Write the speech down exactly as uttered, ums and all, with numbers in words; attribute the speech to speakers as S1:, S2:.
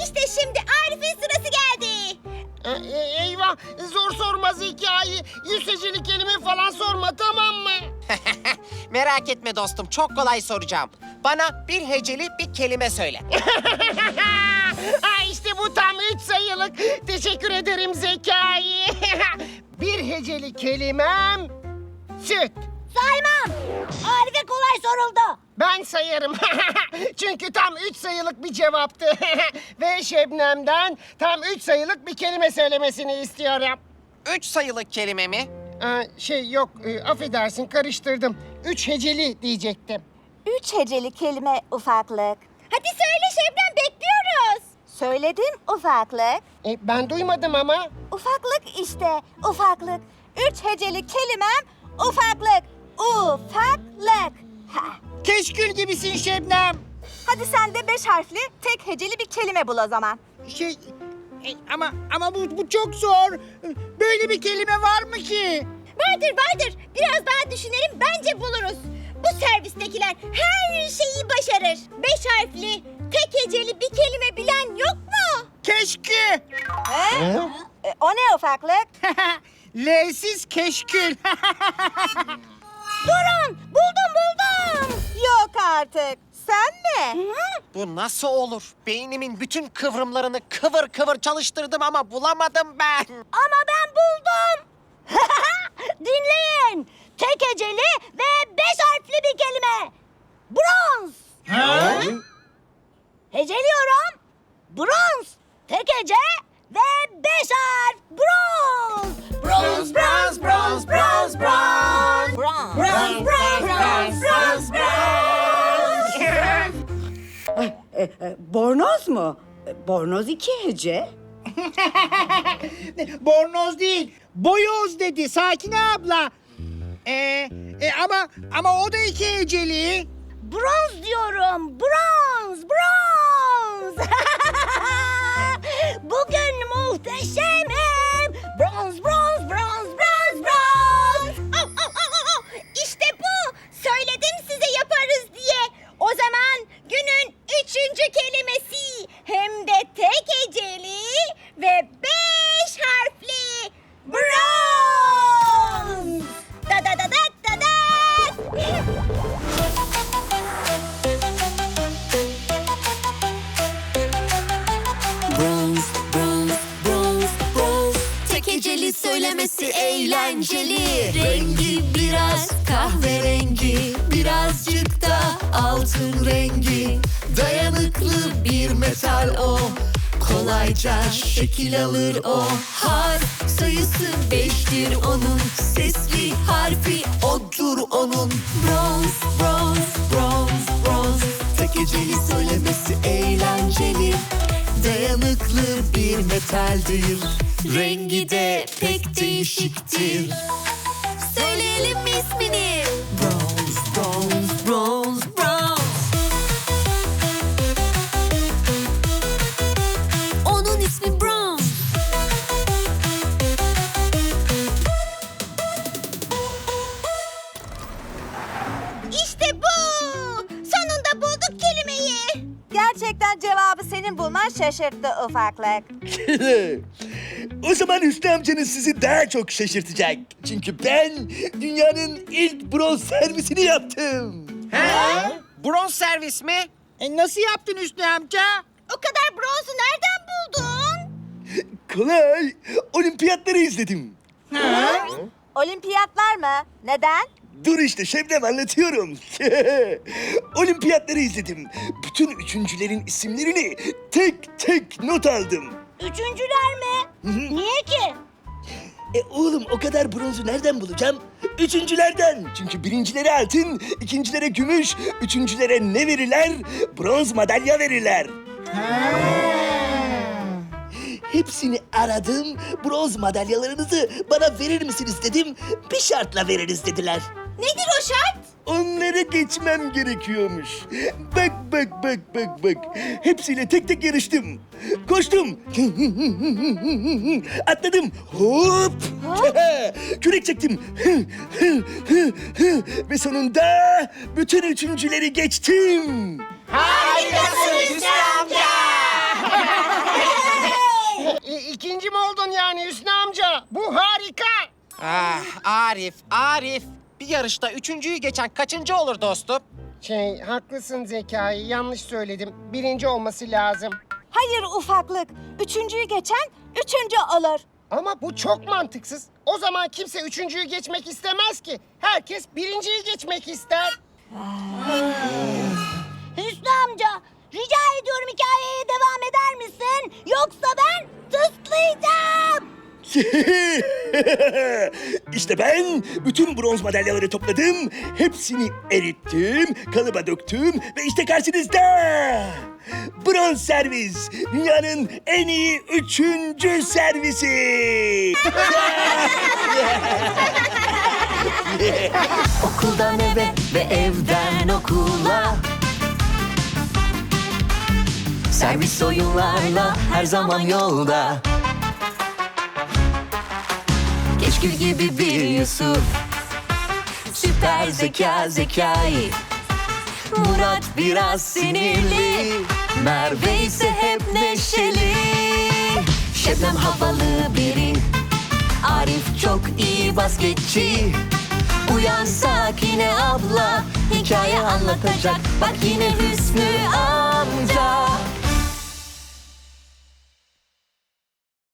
S1: İşte şimdi Arif'in sırası geldi.
S2: E, e, eyvah, zor sormaz hikayeyi. Yüz heceli kelime falan sorma, tamam mı?
S3: Merak etme dostum, çok kolay soracağım. Bana bir heceli bir kelime söyle.
S2: Ha, işte bu tam üç sayılık. Teşekkür ederim Zekai. Bir heceli kelimem süt.
S1: Saymam. Arif'e kolay soruldu.
S2: Ben sayarım. Çünkü tam üç sayılık bir cevaptı. Ve Şebnem'den tam üç sayılık bir kelime söylemesini istiyorum.
S3: Üç sayılı kelime mi?
S2: Ee, şey yok, e, affedersin karıştırdım. Üç heceli diyecektim.
S4: Üç heceli kelime ufaklık.
S1: Hadi söyle Şebnem, bekliyoruz.
S4: Söyledim ufaklık.
S2: E, ben duymadım ama.
S4: Ufaklık işte ufaklık. Üç heceli kelimem ufaklık. Ufaklık. Ha.
S5: Keşkül gibisin Şebnem.
S4: Hadi sen de beş harfli tek heceli bir kelime bul o zaman.
S5: Şey e, ama ama bu, bu çok zor. Böyle bir kelime var mı ki?
S1: Vardır vardır. Biraz daha düşünelim, bence buluruz. Bu servistekiler her şeyi başarır. Beş harfli, tek heceli bir kelime bilen yok mu?
S5: Keşkü.
S4: He? E, o ne ufaklık?
S5: L'siz keşkül.
S1: Durun, buldum buldum.
S4: Yok artık. Sen mi?
S3: Bu nasıl olur? Beynimin bütün kıvrımlarını kıvır kıvır çalıştırdım ama bulamadım ben.
S1: Ama ben buldum. Dinleyin. Tek heceli ve beş harfli bir kelime. Bronz. Heceliyorum. Bronz. Tek hece ve beş harf. Bronz. Bronz, bronz, bronz, bronz, bronz.
S4: Bronz.
S1: Bronz, bronz, bronz, bronz, bronz.
S6: E, e, bornoz mu? E, Bornoz iki hece.
S5: Bornoz değil, boyoz dedi Sakine abla. Ee, e, ama ama o da iki heceli.
S1: Bronz diyorum. Bronz, bronz. Bugün muhteşemim. Bronz, bronz, bronz, bronz, bronz. Au, au, au, au, au. İşte bu. Söyledim size yaparız diye. O zaman günün üçüncü kelimesi. Hem de tek heceli ve beş harfli. Bronz. Da da da da da da.
S7: Bronz, bronz, bronz, bronz. Tek heceli söylemesi eğlenceli. Rengi biraz kahverengi, birazcık da altın rengi. Dayanıklı bir metal o, kolayca şekil alır o. Harf sayısı beştir onun, sesli harfi odur onun. Bronz, bronz, bronz, bronz. Tek heceli söylemesi eğlenceli. Dayanıklı bir metaldir, rengi de pek değişiktir. Söyleyelim mi ismini? Bronz, bronz, bronz, bronz. Onun ismi Bronz.
S1: İşte bu. Sonunda bulduk kelimeyi.
S4: Gerçekten cevabı senin bulman şaşırttı ufaklık.
S8: O zaman Hüsnü amcanız sizi daha çok şaşırtacak. Çünkü ben dünyanın ilk bronz servisini yaptım.
S3: Bronz servis mi?
S5: E, nasıl yaptın Hüsnü amca?
S1: O kadar bronzu nereden buldun?
S8: Kolay. Olimpiyatları izledim.
S4: Olimpiyatlar mı? Neden?
S8: Dur işte Şebnem anlatıyorum. Olimpiyatları izledim. Bütün üçüncülerin isimlerini tek tek not aldım.
S1: Üçüncüler mi? Niye ki?
S8: E oğlum o kadar bronzu nereden bulacağım? Üçüncülerden. Çünkü birincilere altın, ikincilere gümüş, üçüncülere ne verirler? Bronz madalya verirler. Hepsini aradım. Bronz madalyalarınızı bana verir misiniz dedim. Bir şartla veririz dediler.
S1: Nedir o şart?
S8: Onları geçmem gerekiyormuş. Bak bak bak bak bak. Hepsiyle tek tek yarıştım. Koştum. Atladım. Hop. Kürek çektim. Ve sonunda bütün üçüncüleri geçtim.
S1: Harikasın Hüsnü amca.
S2: Bu harika.
S3: Ah Arif, Arif. Bir yarışta üçüncüyü geçen kaçıncı olur dostum?
S2: Şey, haklısın Zekai. Yanlış söyledim. Birinci olması lazım.
S4: Hayır ufaklık. Üçüncüyü geçen üçüncü olur.
S2: Ama bu çok mantıksız. O zaman kimse üçüncüyü geçmek istemez ki. Herkes birinciyi geçmek ister.
S1: Hüsnü amca, rica ediyorum hikayeye devam eder misin? Yoksa ben tıslayacağım.
S8: İşte ben bütün bronz madalyaları topladım. Hepsini erittim, kalıba döktüm ve işte karşınızda. Bronz servis. Dünyanın en iyi üçüncü servisi.
S7: Okuldan eve ve evden okula, servis oyunlarla her zaman yolda. Keşkül gibi bir Yusuf, süper zeka Zekai. Murat biraz sinirli, Merve ise hep neşeli. Şebnem havalı biri, Arif çok iyi basketçi. Uyan Sakine abla, hikaye anlatacak. Bak yine Hüsnü abla.